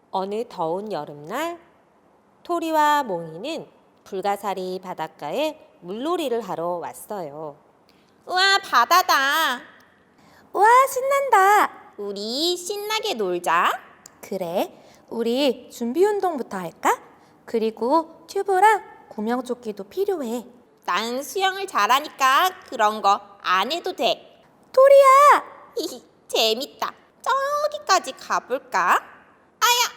어느 더운 여름날 토리와 몽이는 불가사리 바닷가에 물놀이를 하러 왔어요. 우와, 바다다. 우와, 신난다. 우리 신나게 놀자. 그래, 우리 준비 운동부터 할까? 그리고 튜브랑 구명조끼도 필요해. 난 수영을 잘하니까 그런 거 안 해도 돼. 토리야! 히히, 재밌다. 저기까지 가볼까? 아야,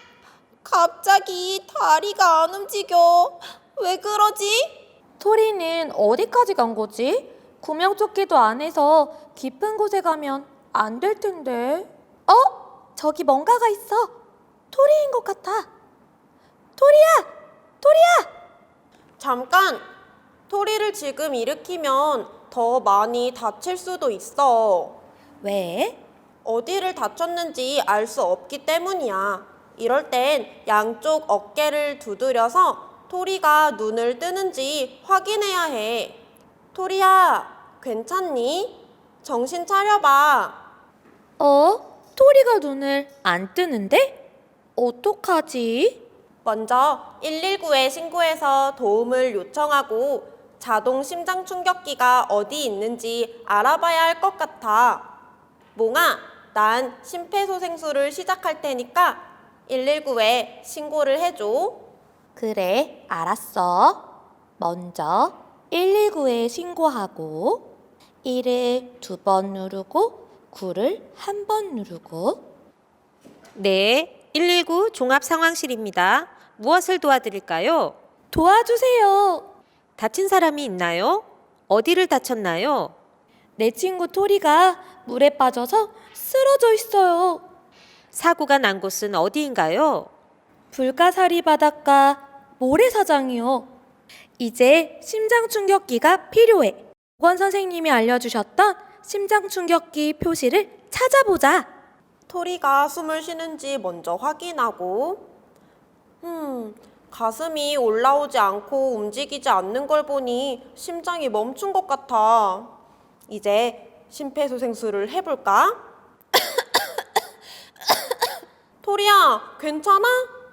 갑자기 다리가 안 움직여. 왜 그러지? 토리는 어디까지 간 거지? 구명조끼도 안 해서 깊은 곳에 가면 안 될 텐데. 저기 뭔가가 있어. 토리인 것 같아. 토리야! 토리야! 잠깐! 토리를 지금 일으키면 더 많이 다칠 수도 있어. 왜? 어디를 다쳤는지 알 수 없기 때문이야. 이럴 땐 양쪽 어깨를 두드려서 토리가 눈을 뜨는지 확인해야 해. 토리야, 괜찮니? 정신 차려봐. 토리가 눈을 안 뜨는데? 어떡하지? 먼저 119에 신고해서 도움을 요청하고 자동 심장 충격기가 어디 있는지 알아봐야 할 것 같아. 몽아, 난 심폐소생술을 시작할 테니까 119에 신고를 해줘. 그래, 알았어. 먼저 119에 신고하고 1을 2번 누르고 9를 1번 누르고. 네, 119 종합상황실입니다. 무엇을 도와드릴까요? 도와주세요. 다친 사람이 있나요? 어디를 다쳤나요? 내 친구 토리가 물에 빠져서 쓰러져 있어요. 사고가 난 곳은 어디인가요? 불가사리 바닷가 모래사장이요. 이제 심장 충격기가 필요해. 보건 선생님이 알려주셨던 심장 충격기 표시를 찾아보자. 토리가 숨을 쉬는지 먼저 확인하고 가슴이 올라오지 않고 움직이지 않는 걸 보니 심장이 멈춘 것 같아. 이제 심폐소생술을 해볼까? 토리야, 괜찮아?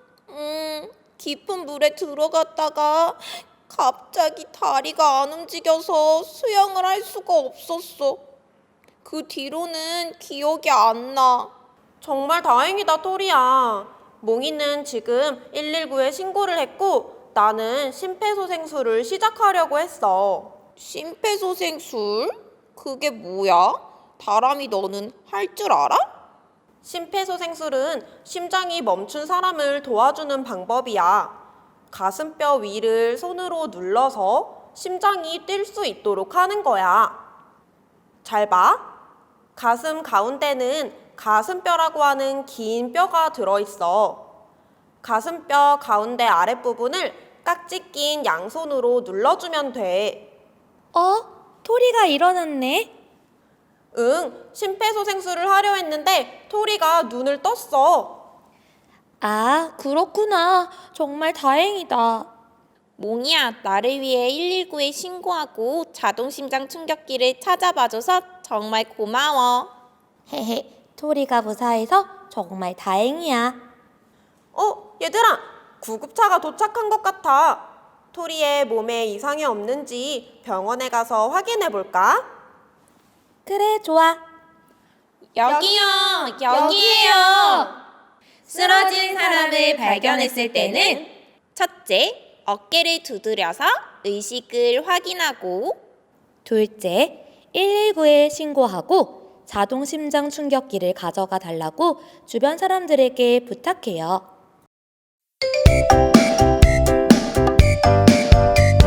깊은 물에 들어갔다가 갑자기 다리가 안 움직여서 수영을 할 수가 없었어. 그 뒤로는 기억이 안 나. 정말 다행이다, 토리야. 몽이는 지금 119에 신고를 했고 나는 심폐소생술을 시작하려고 했어. 심폐소생술? 그게 뭐야? 다람이 너는 할 줄 알아? 심폐소생술은 심장이 멈춘 사람을 도와주는 방법이야. 가슴뼈 위를 손으로 눌러서 심장이 뛸 수 있도록 하는 거야. 잘 봐. 가슴 가운데는 가슴뼈라고 하는 긴 뼈가 들어있어. 가슴뼈 가운데 아랫부분을 깍지 낀 양손으로 눌러주면 돼. 토리가 일어났네. 응, 심폐소생술을 하려 했는데 토리가 눈을 떴어. 아, 그렇구나. 정말 다행이다. 몽이야, 나를 위해 119에 신고하고 자동심장 충격기를 찾아봐줘서 정말 고마워. 헤헤, 토리가 무사해서 정말 다행이야. 얘들아, 구급차가 도착한 것 같아. 토리의 몸에 이상이 없는지 병원에 가서 확인해 볼까? 그래, 좋아. 여기요, 여기에요. 쓰러진 사람을 발견했을 때는 첫째, 어깨를 두드려서 의식을 확인하고 둘째, 119에 신고하고 자동 심장 충격기를 가져가 달라고 주변 사람들에게 부탁해요.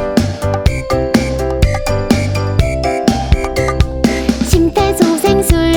심폐소생술